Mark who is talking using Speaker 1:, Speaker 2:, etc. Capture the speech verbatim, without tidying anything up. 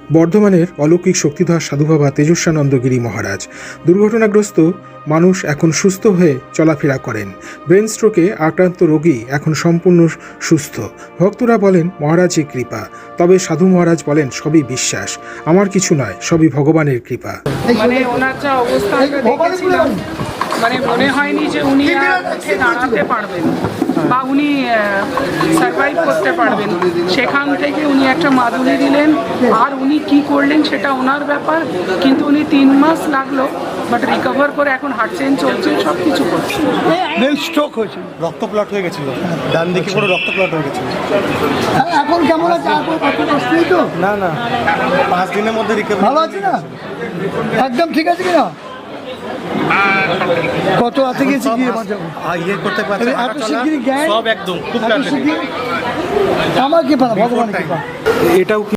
Speaker 1: বর্ধমানের অলৌকিক শক্তিধর সাধুবাবা তেজস্বানন্দগিরি মহারাজ। দুর্ঘটনাগ্রস্ত মানুষ এখন সুস্থ হয়ে চলাফেরা করেন। ব্রেন স্ট্রোকে আক্রান্ত রোগী এখন সম্পূর্ণ সুস্থ। ভক্তরা বলেন মহারাজই কৃপা, তবে সাধু মহারাজ বলেন সবই বিশ্বাস, আমার কিছু নয়, সবই ভগবানের কৃপা।
Speaker 2: মানে ওনার যা অবস্থা দেখেছিলাম, মানে মনে হয়নি যে উনি আর উঠে দাঁড়াতে পারবেন বা উনি সার্ভাইভ করতে পারবেন। সেখান থেকে উনি একটা মাদুলি দিলেন, আর উনি কি করলেন সেটা ওনার ব্যাপার, কিন্তু উনি তিন মাস লাগলো, বাট রিকভার করে এখন হাঁটছেন, চলছেন, সব কিছু করছেন।
Speaker 3: স্ট্রোক হয়েছিল, রক্ত প্লট হয়ে গেছিল, ডান দিকে পুরো রক্ত প্লট হয়ে গেছিল।
Speaker 4: এখন কেমন আছে? তো
Speaker 3: না না পাঁচ দিনের মধ্যে রিকভার
Speaker 4: ভালো আছে না? একদম ঠিক আছে কিনা? কত আছে গেছি গিয়ে
Speaker 3: ইয়ে করতে পারছে,
Speaker 4: এত শিগগিরই জ্ঞান
Speaker 3: সব একদম খুব
Speaker 4: এত শিগগির আমার কি পারা ভগবানের কৃপা।
Speaker 3: এটাও